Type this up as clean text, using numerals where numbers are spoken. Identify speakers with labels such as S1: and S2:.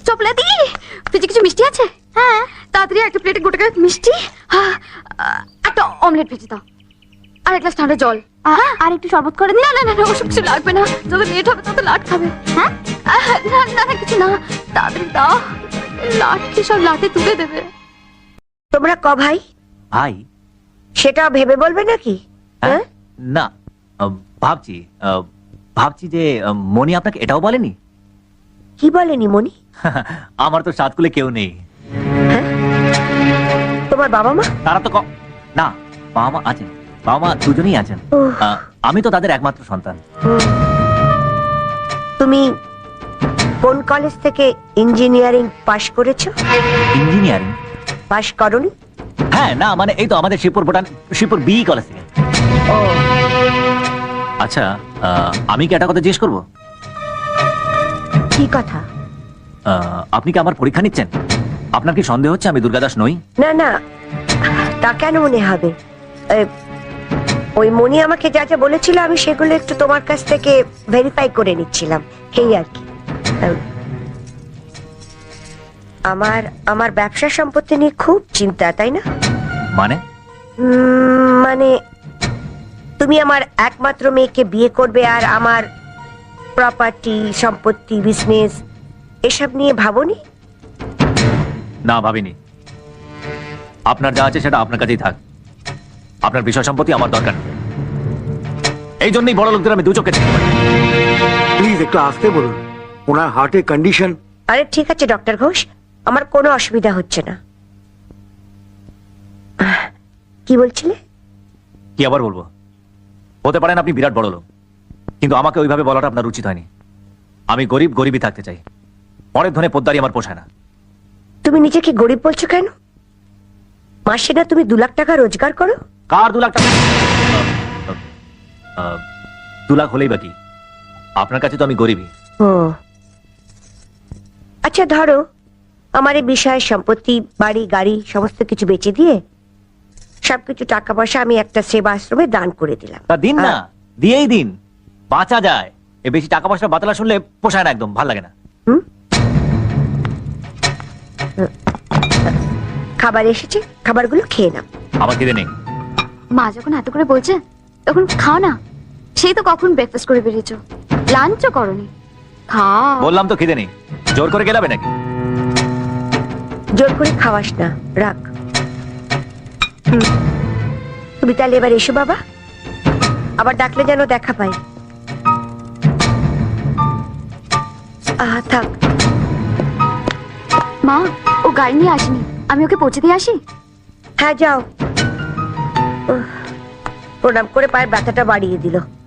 S1: চপলাদি ফ্রিজে কিছু মিষ্টি আছে? হ্যাঁ, তাড়াতাড়ি একটা প্লেটে গোটা মিষ্টি, একটা অমলেট ভেজে দাও, আর এক গ্লাস ঠান্ডা জল, আর একটু শরবত করে দিন। না না না না, ওসব কিছু লাগবে না, যত লেট হবে তত লাট খাবে। হ্যাঁ, না না না, কিছু না, তাড়াতাড়ি দাও, লাট কি সব লাটে তুলে দেবে।
S2: তোমরা ক ভাই?
S3: ভাই
S2: সেটা ভেবে বলবে নাকি? হ্যাঁ,
S3: না, ভাবছি ভাবছি যে মনি আপনাকে এটাও বলেনি?
S2: কি বলেনি মনি?
S3: আমার তো সাতকুলে কেউ নেই।
S2: তোমার বাবা মা?
S3: তারা তো না, বাবা মা আছেন, বাবা মা দুজনেই আছেন। আমি তো তাদের একমাত্র সন্তান।
S2: তুমি কোন কলেজ থেকে ইঞ্জিনিয়ারিং পাশ করেছো?
S3: ইঞ্জিনিয়ারিং
S2: পাশ করনি?
S3: হ্যাঁ, না মানে এই তো আমাদের শিবপুর বি কলেজ থেকে।
S2: ও
S3: আচ্ছা, আমি কি একটা কথা জিজ্ঞেস করবো?
S2: কি কথা?
S3: আপনি কি আমার পরীক্ষা নিচ্ছেন? আপনার কি সন্দেহ হচ্ছে আমি দুর্গাদাস নই?
S2: না না, তা কেন মনে হবে? ওই মনি আমাকে যা যা বলেছিল আমি সেগুলো একটু তোমার কাছ থেকে ভেরিফাই করে নিচ্ছিলাম, এই আর কি। আমার ব্যবসা সম্পত্তি নিয়ে খুব চিন্তা, তাই না?
S3: মানে
S2: মানে তুমি আমার একমাত্র মেয়েকে বিয়ে করবে আর আমার প্রপার্টি, সম্পত্তি, বিজনেস এসব নিয়ে ভাবোনি?
S3: না, ভাবিনি। আপনার যা আছে সেটা আপনার কাছেই থাক, আপনার বিষয় সম্পত্তি আমার দরকার নেই। এই জন্যই বড় লোকদের আমি দু চোখে দেখতে পাই।
S4: প্লিজ একটু আসতে বলুন, ওনার হার্টের কন্ডিশন।
S2: আরে ঠিক আছে ডক্টর ঘোষ, আমার কোনো অসুবিধা হচ্ছে না। কি বলছিলে?
S3: কি আবার বলবো? হতে পারেন আপনি বিরাট বড় লোক, কিন্তু আমাকে ওইভাবে বলাটা আপনার উচিত হয়নি। আমি গরিবই থাকতে চাই, অনেক ধনে পোদ্দারি আমার পোষায় না।
S2: তুমি নিজেকে গরিব বলছো কেন? মাসে না তুমি 2 লাখ টাকা রোজগার করো?
S3: কার 2 লাখ টাকা? 2 লাখ হলেই বাকি, আপনার কাছে তো আমি গরিবই।
S2: ও আচ্ছা, ধরো আমার এই বিষয়ে সম্পত্তি, বাড়ি, গাড়ি সমস্ত কিছু বেচে দিয়ে সবকিছু টাকা পয়সা আমি একটা সেবা আশ্রমে দান করে দিলাম।
S3: তা দিন না, দিয়েই দিন, বাঁচা যায়। এ বেশি টাকা পয়সা বাতলা শুনলে পোষায় না, একদম ভাল লাগে না।
S2: খাবার এসেছে, খাবারগুলো খেয়ে নাও।
S3: আমার খিদে নেই।
S1: মা যখন এত করে বলছে তখন খাও না, সেই তো কখন ব্রেকফাস্ট করে বেরিয়েছো, লাঞ্চও করনি, খাও।
S3: বললাম তো খিদে নেই, জোর করে গেলাবে নাকি?
S2: জোর করে খাওয়াস না, রাখ। তুমি তাহলে এবার এসো বাবা, আবার ডাকলে যেন দেখা পাই। থাক।
S1: মা, ও গাড়ি নিয়ে আসেনি, আমি ওকে পৌঁছে দিয়ে আসি।
S2: হ্যাঁ যাও। প্রণাম করে পায়ের ব্যথাটা বাড়িয়ে দিল।